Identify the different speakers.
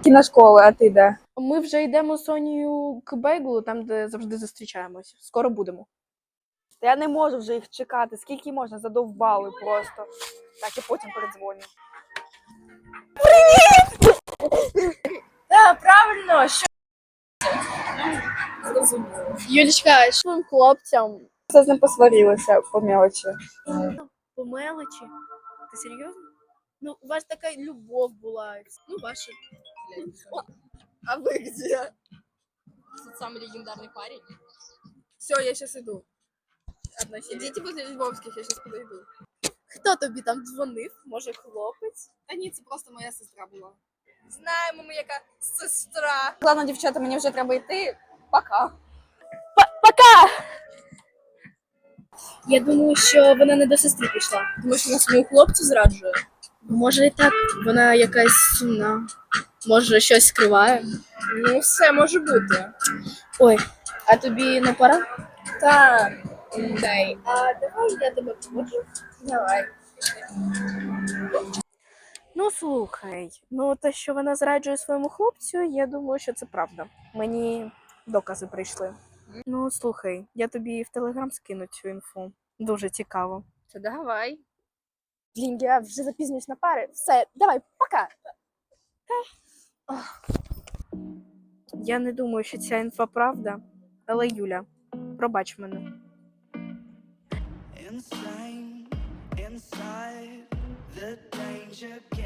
Speaker 1: Кіношколи, а ти де?
Speaker 2: Ми вже йдемо з Сонією к Бейглу, там, де завжди зустрічаємось. Скоро будемо.
Speaker 1: Та я не можу вже їх чекати. Скільки можна? Задовбали просто. Так, я потім передзвоню.
Speaker 2: Так, правильно, що? Юлічка, що твоїм хлопцям?
Speaker 1: Все з ним посварилися по мелочі.
Speaker 2: По мелочі? Ти серйозно? Ну, у вас така любов була. Ну, ваша. А вы где?
Speaker 3: Тот самый легендарный парень.
Speaker 2: Все, я сейчас иду. Идите возле Львовських, я сейчас подойду. Хто тобі там дзвонив? Може, хлопець?
Speaker 3: Та ні, це просто моя сестра була.
Speaker 2: Знаємо ми, яка сестра.
Speaker 1: Ладно, дівчата, мені вже треба йти. Пока.
Speaker 2: Я думаю, що вона не до сестри пішла. Тому що вона свою хлопцю зраджує. Може і так, вона якась сумна. Може, щось скриває. Ну, все може бути. Ой, а тобі не пора? Так. Дай. А давай я тебе проводжу. Давай. Ну, слухай, ну те, що вона зраджує своєму хлопцю, я думаю, що це правда. Мені докази прийшли. Ну, слухай, я тобі в Телеграм скину цю інфу. Дуже цікаво.
Speaker 3: Та давай.
Speaker 1: Блін, я вже запізнююсь на пари. Все, давай, пока.
Speaker 2: Я не думаю, що ця інфа правда, але Юля, пробач мене.
Speaker 4: Insane, inside, the danger